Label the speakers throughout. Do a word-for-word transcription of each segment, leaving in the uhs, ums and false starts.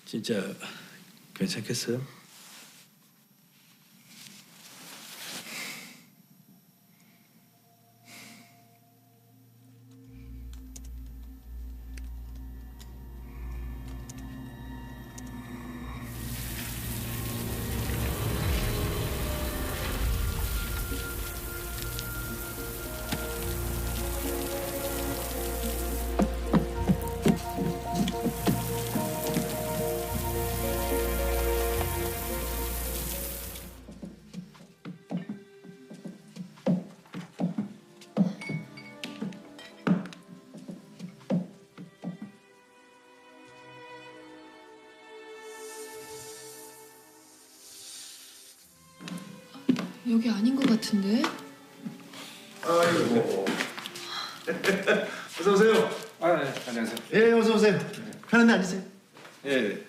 Speaker 1: 진짜 괜찮겠어요?
Speaker 2: 여기 아닌 것 같은데?
Speaker 3: 아이고. 어서 오세요.
Speaker 4: 아, 네, 안녕하세요.
Speaker 3: 예, 어서 오세요. 편한데 앉으세요.
Speaker 4: 예.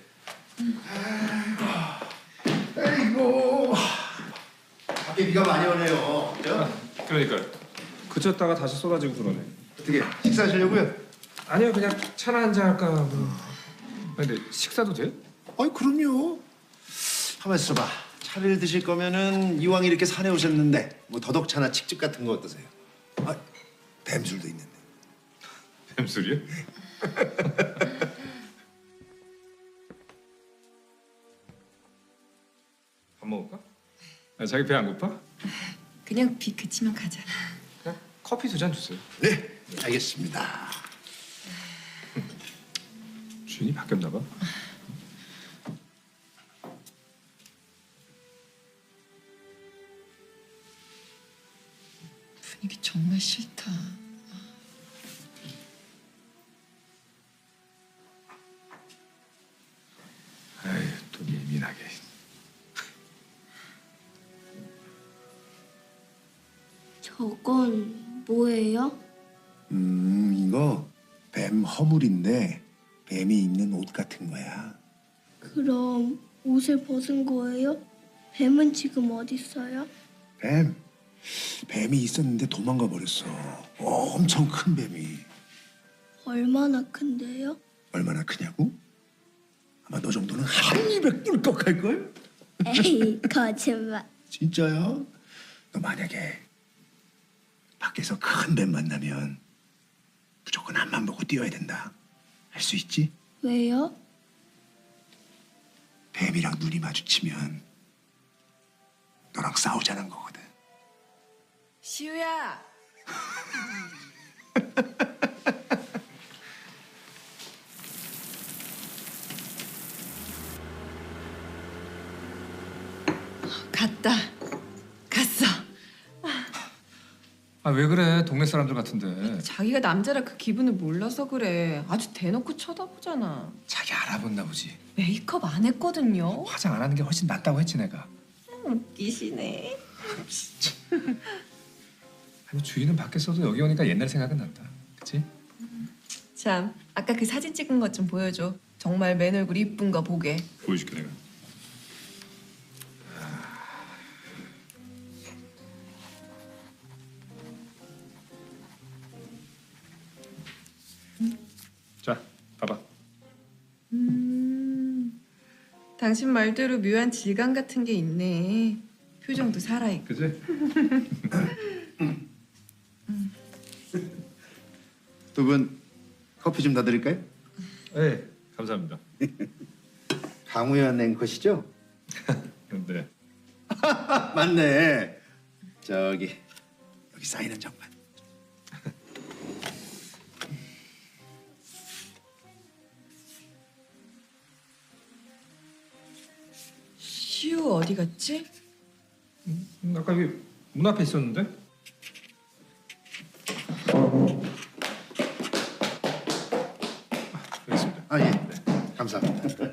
Speaker 3: 아이고. 밖에 비가 많이 오네요. 그죠?
Speaker 4: 그러니까요. 그쳤다가 다시 쏟아지고 그러네.
Speaker 3: 어떻게 식사하시려고요?
Speaker 4: 아니요, 그냥 차나 한잔 할까 뭐. 아니, 근데 식사도 돼요?
Speaker 3: 아이 그럼요. 가만 있어봐. 차를 드실 거면은 이왕 이렇게 산에 오셨는데 뭐 더덕차나 칡즙 같은 거 어떠세요? 아, 뱀술도 있는데.
Speaker 4: 뱀술이요? 밥 먹을까? 아, 자기 배 안 고파?
Speaker 2: 그냥 비 그치면 가자.
Speaker 4: 그냥 커피 두 잔 주세요.
Speaker 3: 네, 알겠습니다.
Speaker 4: 주인이 바뀌었나 봐.
Speaker 2: 분위기 정말 싫다.
Speaker 4: 아유, 또 예민하게.
Speaker 5: 저건 뭐예요?
Speaker 3: 음, 이거 뱀 허물인데 뱀이 입는 옷 같은 거야.
Speaker 5: 그럼 옷을 벗은 거예요? 뱀은 지금 어디 있어요?
Speaker 3: 뱀. 뱀이 있었는데 도망가 버렸어. 엄청 큰 뱀이.
Speaker 5: 얼마나 큰데요?
Speaker 3: 얼마나 크냐고? 아마 너 정도는 한 입에 꿀꺽 할걸?
Speaker 5: 에이, 거짓말.
Speaker 3: 진짜야? 너 만약에 밖에서 큰 뱀 만나면 무조건 앞만 보고 뛰어야 된다. 할 수 있지?
Speaker 5: 왜요?
Speaker 3: 뱀이랑 눈이 마주치면 너랑 싸우자는 거거든.
Speaker 2: 시우야. 갔다. 갔어.
Speaker 4: 아, 왜 그래? 동네 사람들 같은데.
Speaker 2: 자기가 남자라 그 기분을 몰라서 그래. 아주 대놓고 쳐다보잖아.
Speaker 4: 자기 알아봤나 보지.
Speaker 2: 메이크업 안 했거든요.
Speaker 4: 화장 안 하는 게 훨씬 낫다고 했지 내가.
Speaker 2: 웃기시네.
Speaker 4: 아니, 주인은 밖에서도 여기 오니까 옛날 생각은 난다. 그치?
Speaker 2: 참, 아까 그 사진 찍은 것 좀 보여줘. 정말 맨 얼굴 이쁜 거 보게.
Speaker 4: 보여줄게 내가. 자, 봐봐.
Speaker 2: 음, 당신 말대로 묘한 질감 같은 게 있네. 표정도 살아있고.
Speaker 4: 그지?
Speaker 3: 두 분 커피 좀 더 드릴까요?
Speaker 4: 네, 감사합니다.
Speaker 3: 강우현 앵커시죠?
Speaker 4: 네.
Speaker 3: 맞네. 저기 여기 사인 한 장만.
Speaker 2: 시우 어디 갔지?
Speaker 4: 음, 아까 여기 문 앞에 있었는데? 아, 여기 있습니다.
Speaker 3: 아 예. 감사합니다.